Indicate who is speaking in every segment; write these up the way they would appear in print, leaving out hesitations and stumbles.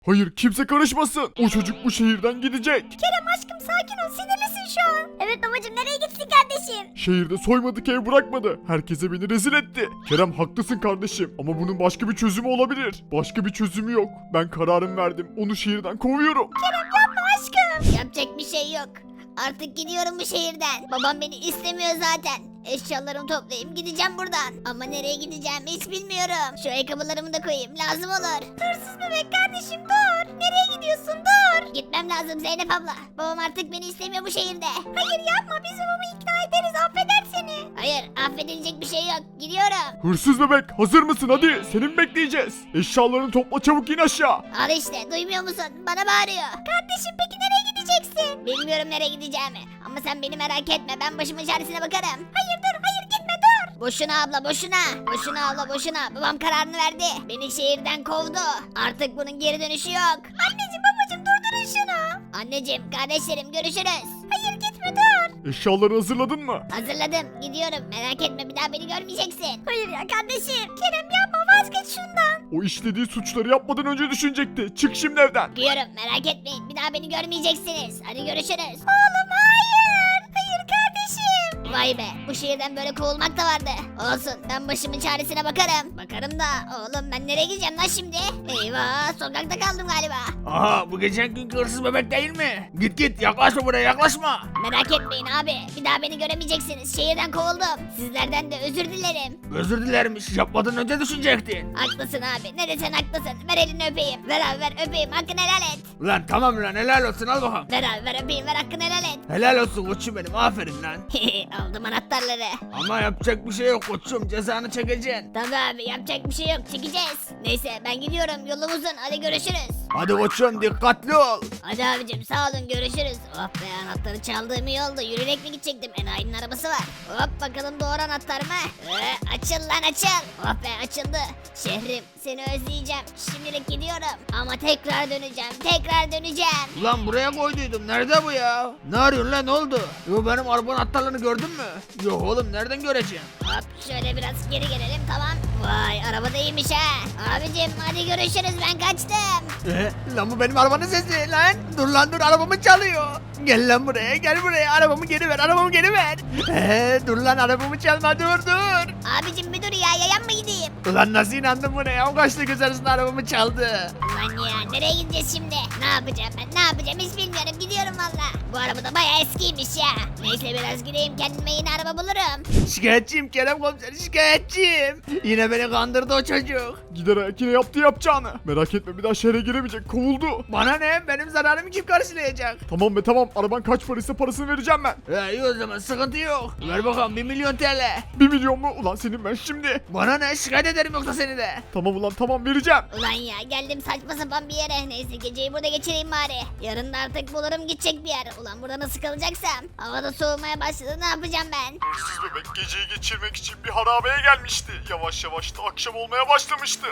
Speaker 1: Hayır, kimse karışmasın. O çocuk bu şehirden gidecek.
Speaker 2: Kerem aşkım sakin ol, sinirlisin şu an. Evet babacım, nereye gitsin kardeşim?
Speaker 1: Şehirde soymadık ev bırakmadı. Herkese beni rezil etti. Kerem haklısın kardeşim ama bunun başka bir çözümü olabilir. Başka bir çözümü yok. Ben kararım verdim. Onu şehirden kovuyorum.
Speaker 2: Kerem yapma aşkım. Yapacak bir şey yok. Artık gidiyorum bu şehirden. Babam beni istemiyor zaten. Eşyalarımı toplayayım gideceğim buradan. Ama nereye gideceğimi hiç bilmiyorum. Şu ayakkabılarımı da koyayım, lazım olur. Hırsız bebek kardeşim dur. Nereye gidiyorsun, dur. Gitmem lazım Zeynep abla. Babam artık beni istemiyor bu şehirde. Hayır yapma, biz babamı ikna ederiz, affeder seni. Hayır, affedilecek bir şey yok, gidiyorum.
Speaker 1: Hırsız bebek, hazır mısın? Hadi, seni mi bekleyeceğiz? Eşyalarını topla, çabuk in aşağı.
Speaker 2: Al işte, duymuyor musun? Bana bağırıyor. Kardeşim peki nereye gideceksin? Bilmiyorum nereye gideceğimi. Ama sen beni merak etme, ben başımın çaresine bakarım. Hayır dur, hayır gitme dur. Boşuna abla boşuna. Boşuna abla boşuna. Babam kararını verdi. Beni şehirden kovdu. Artık bunun geri dönüşü yok. Anneciğim babacığım durdurun şunu. Anneciğim kardeşlerim görüşürüz. Hayır gitme dur.
Speaker 1: Eşyaları hazırladın mı?
Speaker 2: Hazırladım, gidiyorum, merak etme, bir daha beni görmeyeceksin. Hayır ya kardeşim. Kerem yapma, vazgeç şundan.
Speaker 1: O işlediği suçları yapmadan önce düşünecekti. Çık şimdi evden.
Speaker 2: Gidiyorum, merak etmeyin, bir daha beni görmeyeceksiniz. Hadi görüşürüz. Oğlum hayır. Hayır kardeşim. Vay be, bu şehirden böyle kovulmak da vardı. Olsun, ben başımın çaresine bakarım. Bakarım da oğlum, ben nereye gideceğim lan şimdi? Eyvah, sokakta kaldım galiba.
Speaker 3: Aha bu geçen günkü hırsız bebek değil mi? Git git yaklaşma buraya yaklaşma.
Speaker 2: Merak etmeyin abi, bir daha beni göremeyeceksiniz. Şehirden kovuldum. Sizlerden de özür dilerim.
Speaker 3: Özür dilermiş yapmadan önce düşünecektin.
Speaker 2: Haklısın abi, ne desen haklısın. Ver elini öpeyim. Ver abi ver, öpeyim, hakkını helal et.
Speaker 3: Ulan tamam lan helal olsun al bakalım.
Speaker 2: Ver abi ver, öpeyim, ver, hakkını helal et.
Speaker 3: Helal olsun koçum benim aferin lan.
Speaker 2: Aldım anahtarları.
Speaker 3: Ama yapacak bir şey yok koçum cezanı çekeceksin.
Speaker 2: Tabii abi, yapacak bir şey yok, çekeceğiz. Neyse ben gidiyorum, yolum uzun, hadi görüşürüz.
Speaker 3: Hadi koçum dikkatli ol.
Speaker 2: Hadi abicim sağ olun, görüşürüz. Oh be, anahtarı çaldığım iyi oldu, yürüyerek mi gidecektim, enayinin arabası var. Hop bakalım doğru anahtar mı? Açıl lan açıl. Oh be açıldı. Şehrim seni özleyeceğim, şimdilik gidiyorum. Ama tekrar döneceğim, tekrar döneceğim.
Speaker 3: Ulan buraya koyduydum nerede bu ya? Ne arıyorsun lan ne oldu? Yo benim arabanın anahtarlarını gördün mü? Yok oğlum nereden göreceğim?
Speaker 2: Hop şöyle biraz geri gelelim, tamam. Vay araba da iyiymiş ha. Abicim hadi görüşürüz, ben kaçtım.
Speaker 3: Lan bu benim arabanın sesi lan. Dur lan dur arabamı çalıyor. Gel lan buraya gel buraya arabamı geri ver arabamı geri ver. Dur lan arabamı çalma dur.
Speaker 2: Abicim bir dur ya, yayan mı gideyim?
Speaker 3: Ulan nasıl inandın buna ya? O kaçta göz arasında arabamı çaldı.
Speaker 2: Ulan ya nereye gideceğiz şimdi? Ne yapacağım ben, ne yapacağım hiç bilmiyorum, gidiyorum valla. Bu araba da bayağı eskiymiş ya. Neyse biraz gideyim, kendime yeni araba bulurum.
Speaker 3: Şikayetçiyim Kerem komiser şikayetçiyim. Yine beni kandırdı o çocuk.
Speaker 1: Gider ayak yine yaptı yapacağını. Merak etme, bir daha şehre giremeyecek. Kovuldu.
Speaker 3: Bana ne? Benim zararımı kim karşılayacak?
Speaker 1: Tamam be tamam. Araban kaç paraysa parasını vereceğim ben.
Speaker 3: İyi o zaman sıkıntı yok. Ver bakalım 1 milyon TL.
Speaker 1: 1 milyon mu? Ulan senin ben şimdi.
Speaker 3: Bana ne? Şikayet ederim yoksa seni de.
Speaker 1: Tamam ulan tamam, vereceğim.
Speaker 2: Ulan ya geldim saçma sapan bir yere. Neyse geceyi burada geçireyim bari. Yarın da artık bulurum gidecek bir yer. Ulan burada nasıl kalacaksam. Havada soğumaya başladı, ne yapacağım ben?
Speaker 1: Hırsız bebek geceyi geçirmek için bir harabeye gelmişti. Yavaş yavaş da akşam olmaya başlamıştı.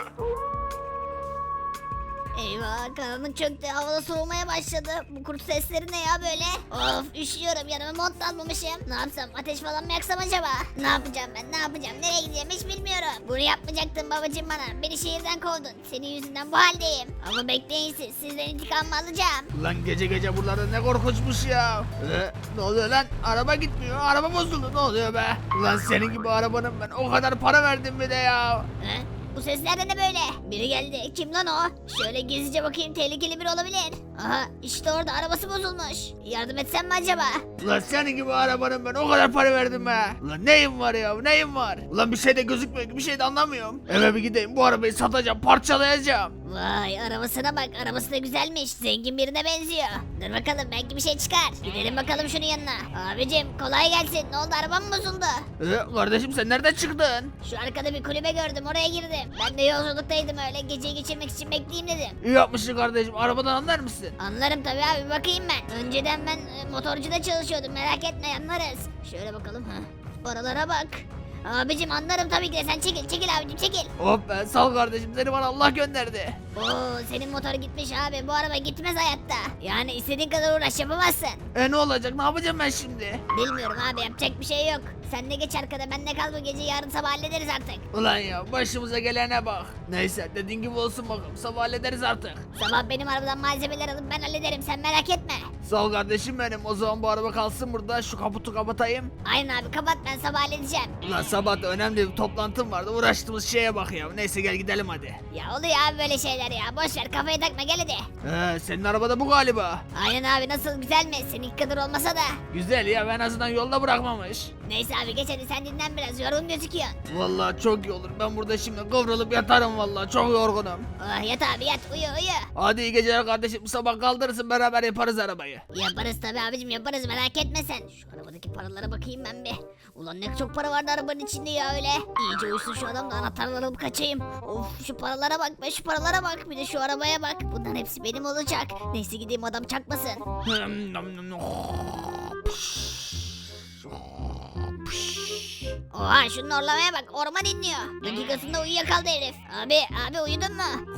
Speaker 2: Eyvah, karanlık çöktü, havada soğumaya başladı. Bu kurt sesleri ne ya böyle? Of üşüyorum, yanıma mont da almamışım. Ne yapsam, ateş falan mı yaksam acaba? Ne yapacağım ben, ne yapacağım, nereye gideceğim hiç bilmiyorum. Bunu yapmayacaktın babacığım bana, beni şehirden kovdun. Senin yüzünden bu haldeyim. Ama bekleyin siz, sizden intikamımı alacağım.
Speaker 3: Ulan gece gece buralarda ne korkunçmuş ya. Ne oluyor lan? Araba gitmiyor. Araba bozuldu. Ne oluyor be? Ulan senin gibi arabanın ben o kadar para verdim bir de ya.
Speaker 2: He? Bu sesler de ne böyle? Biri geldi. Kim lan o? Şöyle gizlice bakayım, tehlikeli biri olabilir. Aha işte orada, arabası bozulmuş. Yardım etsem mi acaba?
Speaker 3: Ulan senin gibi arabanın ben o kadar para verdim be. Ulan neyim var ya neyim var? Ulan bir şey de gözükmüyor ki bir şey de anlamıyorum. Eve bir gideyim bu arabayı satacağım parçalayacağım.
Speaker 2: Vay arabasına bak, arabası da güzelmiş, zengin birine benziyor. Dur bakalım, belki bir şey çıkar. Gidelim bakalım şunun yanına. Abicim kolay gelsin, ne oldu, arabam mı bozuldu?
Speaker 3: Kardeşim sen nereden çıktın?
Speaker 2: Şu arkada bir kulübe gördüm, oraya girdim. Ben de yolculuktaydım, öyle geceyi geçirmek için bekleyeyim dedim.
Speaker 3: İyi yapmışsın kardeşim arabadan anlar mısın?
Speaker 2: Anlarım tabii abi, bakayım ben. Önceden ben motorcuda çalışıyordum, merak etme anlarız. Şöyle bakalım ha. Oralara bak. Abicim anlarım tabii ki de, sen çekil çekil abicim çekil.
Speaker 3: Hop be sağ ol kardeşim seni bana Allah gönderdi.
Speaker 2: Oo senin motor gitmiş abi, bu araba gitmez hayatta. Yani istediğin kadar uğraş yapamazsın.
Speaker 3: Ne olacak ne yapacağım ben şimdi?
Speaker 2: Bilmiyorum abi, yapacak bir şey yok. Sen de geç arkada, ben de kal bu gece, yarın sabah hallederiz artık.
Speaker 3: Ulan ya başımıza gelene bak. Neyse dediğin gibi olsun bakalım, sabah hallederiz artık.
Speaker 2: Sabah benim arabadan malzemeler alıp ben hallederim, sen merak etme.
Speaker 3: Sağ ol kardeşim benim, o zaman bu araba kalsın burada, şu kaputu kapatayım.
Speaker 2: Aynen abi, kapat, ben sabah halledeceğim.
Speaker 3: Ulan sabah da önemli bir toplantım vardı, uğraştığımız şeye bak ya. Neyse gel gidelim hadi.
Speaker 2: Ya oluyor abi böyle şeyler ya, boş ver, kafayı takma, gel hadi.
Speaker 3: Senin arabada bu galiba.
Speaker 2: Aynen abi, nasıl, güzel mi? Seninki kadar olmasa da.
Speaker 3: Güzel ya, en azından yolda bırakmamış.
Speaker 2: Neyse abi geç hadi, sen dinlen biraz, yorgun gözüküyorsun.
Speaker 3: Vallahi çok iyi olur, ben burada şimdi kıvrılıp yatarım, vallahi çok yorgunum.
Speaker 2: Oh yat abi yat, uyu uyu.
Speaker 3: Hadi iyi geceler kardeşim, sabah kaldırırsın, beraber yaparız arabayı.
Speaker 2: Yaparız tabi abicim, yaparız, merak etme sen. Şu arabadaki paralara bakayım ben bir. Ulan ne çok para vardı arabanın içinde ya öyle. İyice uyusun şu adam da anahtarları alıp kaçayım. Of şu paralara bak be, şu paralara bak, bir de şu arabaya bak. Bunların hepsi benim olacak. Neyse gideyim, adam çakmasın. Oha şunun orlamaya bak, orman inliyor. Dakikasında uyuyakaldı herif. Abi uyudun mu?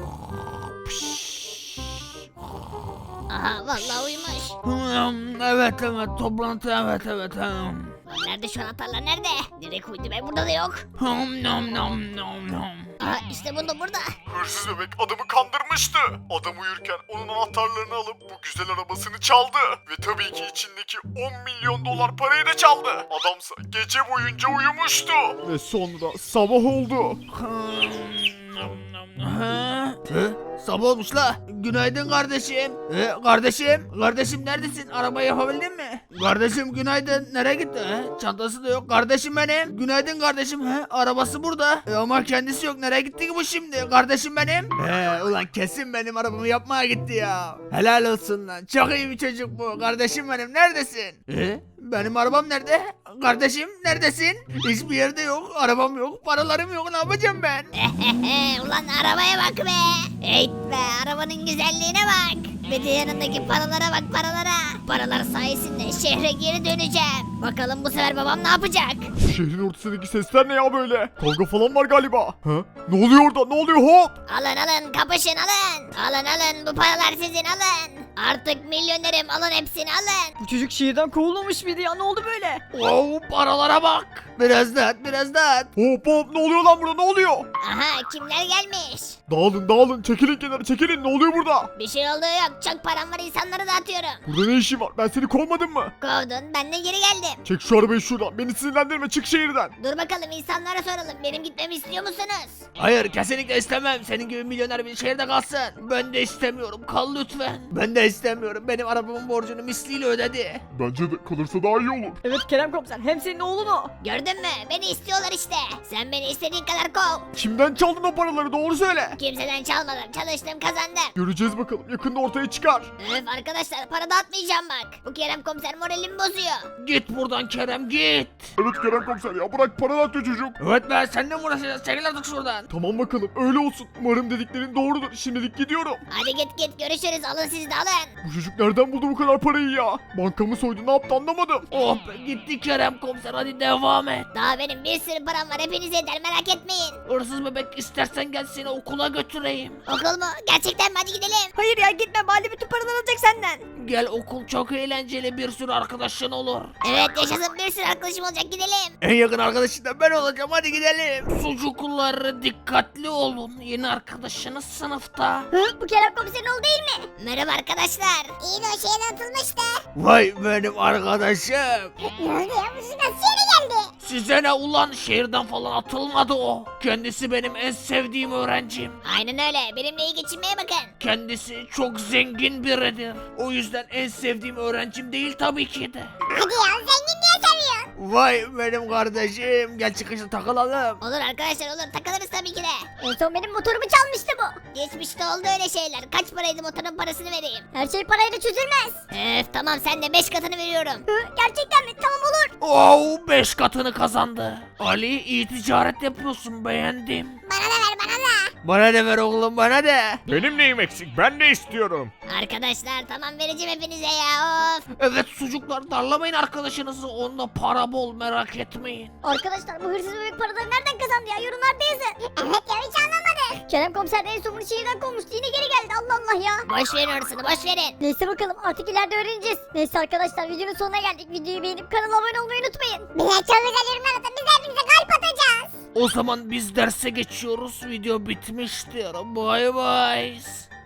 Speaker 2: Aha vallahi uyumuş.
Speaker 3: Evet toplantı evet.
Speaker 2: Lan nerede şu anahtarlar, nerede? Direkt uydu be, burada da yok. Aha işte burada.
Speaker 1: Hırsız bebek adamı kandırmıştı. Adam uyurken onun anahtarlarını alıp bu güzel arabasını çaldı. Ve tabii ki içindeki 10 milyon dolar parayı da çaldı. Adamsa gece boyunca uyumuştu. Ve sonra sabah oldu.
Speaker 3: Sabah olmuş la. Günaydın kardeşim. Kardeşim neredesin? Arabayı yapabildin mi? Kardeşim günaydın. Nereye gitti? Çantası da yok. Kardeşim benim. Günaydın kardeşim. Arabası burada. Ama kendisi yok. Nereye gitti ki bu şimdi? Kardeşim benim. Ulan kesin benim arabamı yapmaya gitti ya. Helal olsun lan. Çok iyi bir çocuk bu. Kardeşim benim. Neredesin? Benim arabam nerede? Kardeşim neredesin? Hiçbir yerde yok. Arabam yok. Paralarım yok. Ne yapacağım ben?
Speaker 2: Ulan arabaya bak be. Eyt be, arabanın güzelliğine bak. Ve de yanındaki paralara bak, paralara. Paralar sayesinde şehre geri döneceğim. Bakalım bu sefer babam ne yapacak?
Speaker 1: Şehrin ortasındaki sesler ne ya böyle? Kavga falan var galiba. Ha? Ne oluyor orada? Ne oluyor hop?
Speaker 2: Alın kapışın alın. Alın bu paralar sizin, alın. Artık milyonerim, alın hepsini alın.
Speaker 4: Bu çocuk şehirden kovulmamış mıydı ya? Ne oldu böyle?
Speaker 3: Wow, paralara bak. Biraz daha.
Speaker 1: Hop ne oluyor lan burada, ne oluyor?
Speaker 2: Aha kimler gelmiş?
Speaker 1: Dağılın çekilin kenara, çekilin, ne oluyor burada?
Speaker 2: Bir şey olduğu yok, çok param var, insanlara dağıtıyorum.
Speaker 1: Burada ne işin var, ben seni kovmadım mı?
Speaker 2: Kovdun, ben de geri geldim.
Speaker 1: Çek şu arabayı şuradan, beni sinirlendirme, çık şehirden.
Speaker 2: Dur bakalım, insanlara soralım, benim gitmemi istiyor musunuz?
Speaker 3: Hayır kesinlikle istemem. Senin gibi milyoner bir şehirde kalsın. Ben de istemiyorum. Kal lütfen. Ben de istemiyorum. Benim arabamın borcunu misliyle ödedi.
Speaker 1: Bence de kalırsa daha iyi olur.
Speaker 4: Evet Kerem komiser, hem senin oğlun o.
Speaker 2: Gördün mü? Beni istiyorlar işte. Sen beni istediğin kadar kov.
Speaker 1: Kimden çaldın o paraları, doğru söyle.
Speaker 2: Kimseden çalmadım, çalıştım, kazandım.
Speaker 1: Göreceğiz bakalım, yakında ortaya çıkar.
Speaker 2: Öf arkadaşlar, para dağıtmayacağım bak. Bu Kerem komiser moralimi bozuyor.
Speaker 3: Git buradan Kerem git.
Speaker 1: Evet Kerem komiser ya, bırak, para dağıtıyor çocuk.
Speaker 3: Evet ben seninle mi uğraşacağız? Çekil artık şuradan.
Speaker 1: Tamam bakalım, öyle olsun. Umarım dediklerin doğrudur. Şimdilik gidiyorum.
Speaker 2: Hadi git görüşürüz, alın siz de alın.
Speaker 1: Bu çocuk nereden buldu bu kadar parayı ya? Bankamı soydu, ne yaptı anlamadım.
Speaker 3: Oh be gitti Kerem komiser, hadi devam et.
Speaker 2: Daha benim bir sürü param var, hepinize yeter, merak etmeyin.
Speaker 3: Hırsız bebek istersen gel seni okula götüreyim.
Speaker 2: Okul mu? Gerçekten mi? Hadi gidelim.
Speaker 4: Hayır ya gitme, Bali bütün paraları alacak senden.
Speaker 3: Gel, okul çok eğlenceli, bir sürü arkadaşın olur.
Speaker 2: Evet yaşasın, bir sürü arkadaşım olacak, gidelim.
Speaker 3: En yakın arkadaşın da ben olacağım, hadi gidelim. Sucuklar dikkatli olun, yeni arkadaşınız sınıfta.
Speaker 2: Bu Kerem komiserin oğlu değil mi? Merhaba arkadaşlar. İyi de o şehirden atılmıştı.
Speaker 3: Vay benim arkadaşım.
Speaker 2: Ne oldu ya? Bu nasıl yere geldi?
Speaker 3: Size ne ulan, şehirden falan atılmadı o. Kendisi benim en sevdiğim öğrencim.
Speaker 2: Aynen öyle. Benimle iyi geçinmeye bakın.
Speaker 3: Kendisi çok zengin biridir. O yüzden en sevdiğim öğrencim değil tabii ki de.
Speaker 2: Hadi ya, zengin diye seviyorsun.
Speaker 3: Vay benim kardeşim, gel çıkışta takılalım.
Speaker 2: Olur arkadaşlar, olur, takılırız tabii ki de.
Speaker 5: En son benim motorumu çalmıştı bu.
Speaker 2: Geçmişte oldu öyle şeyler. Kaç paraydı motorun parasını vereyim?
Speaker 5: Her şey parayla çözülmez.
Speaker 2: Tamam, sen de 5 katını veriyorum.
Speaker 5: Gerçekten mi? Tamam olur.
Speaker 3: Oh 5 katını kazandı. Ali iyi ticaret yapıyorsun, beğendim.
Speaker 2: Bana da ver, bana da.
Speaker 3: Bana de ver oğlum, bana de.
Speaker 1: Benim neyim eksik, ben de istiyorum.
Speaker 2: Arkadaşlar tamam, vereceğim hepinize ya, of.
Speaker 3: Evet sucuklar, darlamayın arkadaşınızı, onda para bol, merak etmeyin.
Speaker 5: Arkadaşlar bu hırsız bebek paraları nereden kazandı ya? Yorumlarda yazın. Evet ya hiç anlamadım. Kerem komiser en son bunu şehirden kovmuştu. Yine geri geldi. Allah Allah ya.
Speaker 2: Boş verin orasını boş verin.
Speaker 5: Neyse bakalım artık ileride öğreneceğiz. Neyse arkadaşlar videonun sonuna geldik. Videoyu beğenip kanala abone olmayı unutmayın. Bize çok güzel yorumlar atın. Biz hepinize kalp atacağız.
Speaker 3: O zaman biz derse geçiyoruz. Video bitmiştir. Bay bay.